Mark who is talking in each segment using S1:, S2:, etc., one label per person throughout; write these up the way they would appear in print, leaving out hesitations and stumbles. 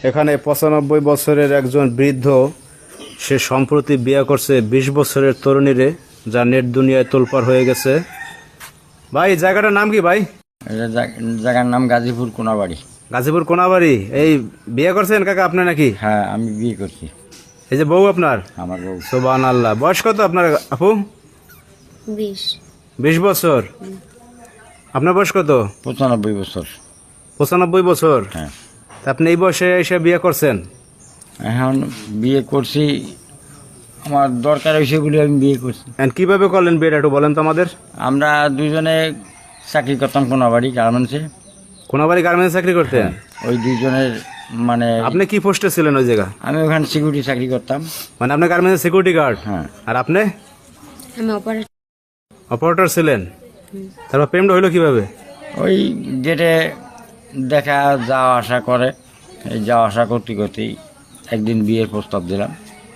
S1: এখানে ৯৫ বছরের একজন বৃদ্ধ, সে সম্প্রতি বিয়ে করছে ২০ বছরের তরুণীরে, যা নেট দুনিয়ায় তোলপাড় হয়ে গেছে। ভাই, জায়গাটার নাম কি ভাই?
S2: জায়গার নাম গাজীপুর কোনাবাড়ি।
S1: গাজীপুর কোনাবাড়ি। এই বিয়ে করছেন কাকা আপনি নাকি?
S2: হ্যাঁ, আমি বিয়ে করছি।
S1: এই যে বউ আপনার?
S2: আমার বউ।
S1: সুবহানাল্লাহ। বয়স কত আপনার আপু? ২০ বছর। আপনার বয়স কত?
S2: ৯৫ বছর।
S1: ৯৫ বছর?
S2: হ্যাঁ।
S1: তা আপনি এই বয়সে এসে বিয়ে করছেন?
S2: এখন বিয়ে করছি, আমার দরকার হয়েছে বলে আমি বিয়ে করছি।
S1: কিভাবে করলেন বিয়েটা একটু বলেন তো আমাদের।
S2: আমরা দুজনে চাকরি করতাম কোনাবাড়ি গার্মেন্টসে।
S1: কোনাবাড়ি গার্মেন্টস চাকরি করতেন?
S2: ওই দুজনের মানে
S1: আপনি কি পোস্টে ছিলেন ওই জায়গা?
S2: আমি ওখানে সিকিউরিটি চাকরি করতাম।
S1: মানে আপনি গার্মেন্টস সিকিউরিটি গার্ড?
S2: হ্যাঁ।
S1: আর আপনি?
S3: আমি
S1: অপারেটর ছিলেন। তারপর প্রেমটা হইলো কিভাবে?
S2: ওই গেটে দেখা যাওয়া আসা করে, এই যাওয়া আসা করতে করতেই একদিন বিয়ের প্রস্তাব দিলাম।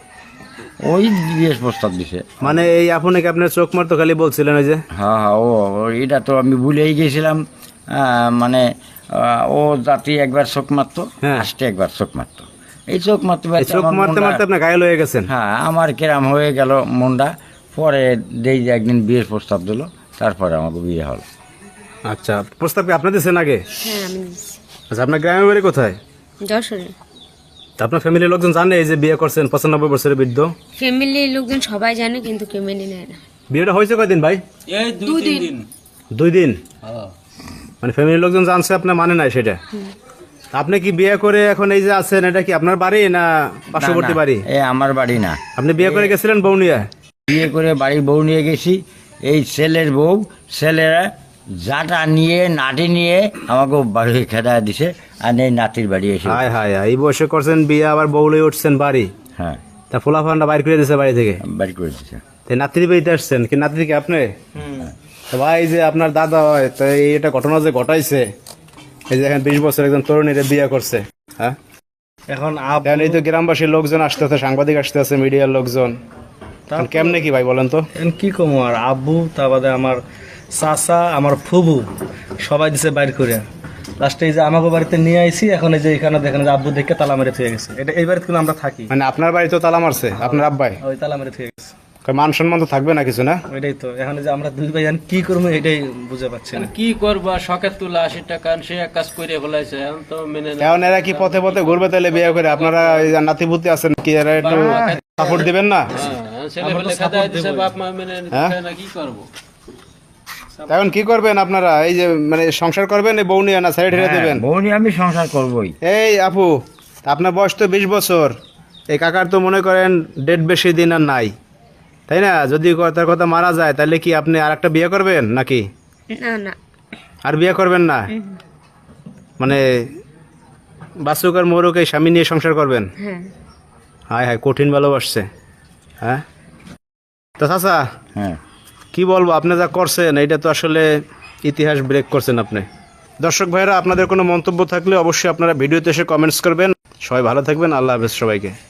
S2: ওই বিয়ের প্রস্তাব দিছে।
S1: মানে এই আপনাকে আপনার চোখ মারতো খালি বলছিলেন ওই যে?
S2: হ্যাঁ হ্যাঁ, এটা তো আমি ভুলেই গেছিলাম। মানে ও জাতি একবার চোখ মারতো,
S1: হ্যাঁ।
S2: আসতে একবার চোখ মারতো। এই চোখ মারতে
S1: চোখ মারতে মারতে আপনি ঘায়ল হয়ে গেছেন?
S2: হ্যাঁ, আমার কেরাম হয়ে গেল মনটা। পরে দেই যে একদিন বিয়ের প্রস্তাব দিল, তারপরে আমাকে বিয়ে হলো।
S1: আচ্ছা, প্রস্তাব কি আপনি দিয়েছেন আগে?
S3: হ্যাঁ, আমি দিচ্ছি।
S1: আচ্ছা, আপনার গ্রামের বাড়ি কোথায়?
S3: যশোরে।
S1: তা আপনার ফ্যামিলির লোকজন জানে এই যে বিয়ে করছেন ৯৫ বছরের বৃদ্ধ?
S3: ফ্যামিলির লোকজন সবাই জানে, কিন্তু কেউ মেনে নেয় না।
S1: বিয়েটা হয়েছে কয়দিন ভাই?
S4: এই ২-৩ দিন।
S1: 2 দিন? মানে ফ্যামিলির লোকজন জানছে, আপনার মানে নাই সেটা? তা আপনি কি বিয়ে করে এখন এই যে আছেন, এটা কি আপনার বাড়ি না পার্শ্ববর্তী বাড়ি?
S2: এ আমার বাড়ি না।
S1: আপনি বিয়ে করে গেছিলেন বউ নিয়ে?
S2: বিয়ে করে বাড়ির বউ নিয়ে গেছি। এই ছেলের বউ, ছেলেরা জাটা নিয়ে নাটি নিয়ে আমাকে বাড়ি খেদা দিছে, আর এই নাতির বাড়ি এসে।
S1: হায় হায়, এই বয়সে করছেন বিয়ে, আবার বউ লয়ে উঠছেন বাড়ি?
S2: হ্যাঁ,
S1: তা ফোলাফানটা বাইর করে দিয়েছে বাড়ি থেকে?
S2: বাড়ি করে দিছে।
S1: তাই নাতির বাড়িতে আসছেন কি? নাতি কি আপনি? তো ভাই, যে আপনার দাদা হয়, তো এটা ঘটনা যে ঘটাইছে, এই যে এখন ২০ বছর একজন তরুণীরে বিয়ে করছে, হ্যাঁ,
S4: এখন
S1: এই তো গ্রামবাসীর লোকজন আসতেছে, সাংবাদিক আসতেছে, মিডিয়ার লোকজন, কেমনে কি ভাই বলেন তো?
S4: কি কম, আর আব্বু, তা বাদে আমার চাচা, আমার ফুবু সবাই দিছে বাইর করে। লাস্টে এই যে আমাকে বাড়িতে নিয়ে আইছি। এখন এই যে এখানে দেখেন যে আব্বু দেখে তালা মেরে থুয়ে গেছে। এটা এই বাড়িতে কিন্তু আমরা থাকি।
S1: মানে আপনার বাড়ি তো তালা মারছে আপনার আব্বাই?
S4: ওই তালা মেরে থুয়ে গেছে।
S1: মান সম্মান তো থাকবে না কিছু, না?
S4: ওইটাই তো, এখন এই যে আমরা দুই ভাই কি করবো এটাই বুঝে পাচ্ছি না।
S5: কি করবা, শখের তুলা ৮০ টাকা সে এক কাজ করে ফেলাইছে, এখন তো মেনে না।
S1: এখন এরা কি পথে পথে ঘুরবে তাহলে বিয়ে করে? আপনারা এই যে নাতিপুতি আছেন, কি এরা একটু সাপোর্ট দিবেন না?
S5: ছেলে ফেলে খেদাই দিছে, বাপ মা মেনে নিচ্ছে না, কি করবো?
S1: এখন কি করবেন আপনারা? এই যে মানে সংসার করবেন এই বউ নিয়ে, না সাইড হেরে দেবেন?
S2: বউ নিয়ে আমি সংসার করবোই।
S1: এই আপু, আপনার বয়স তো ২০ বছর, এই কাকার তো মনে করেন ডেট বেশি দিন আর নাই, তাই না? যদি তার কথা মারা যায়, তাহলে কি আপনি আর একটা বিয়ে করবেন নাকি?
S3: না না,
S1: আর বিয়ে করবেন না? মানে বাসুক আর মোরক এই স্বামী নিয়ে সংসার করবেন?
S3: হ্যাঁ।
S1: হায় হায়, কঠিন ভালোবাসছে। হ্যাঁ, তো চাচা
S2: হ্যাঁ,
S1: কি বলবো, আপনি যা করছেন এটা তো আসলে ইতিহাস ব্রেক করছেন আপনি। দর্শক ভাইরা, আপনাদের কোনো মন্তব্য থাকলে অবশ্যই আপনারা ভিডিওতে এসে কমেন্টস করবেন। সবাই ভালো থাকবেন। আল্লাহ হাফেজ সবাইকে।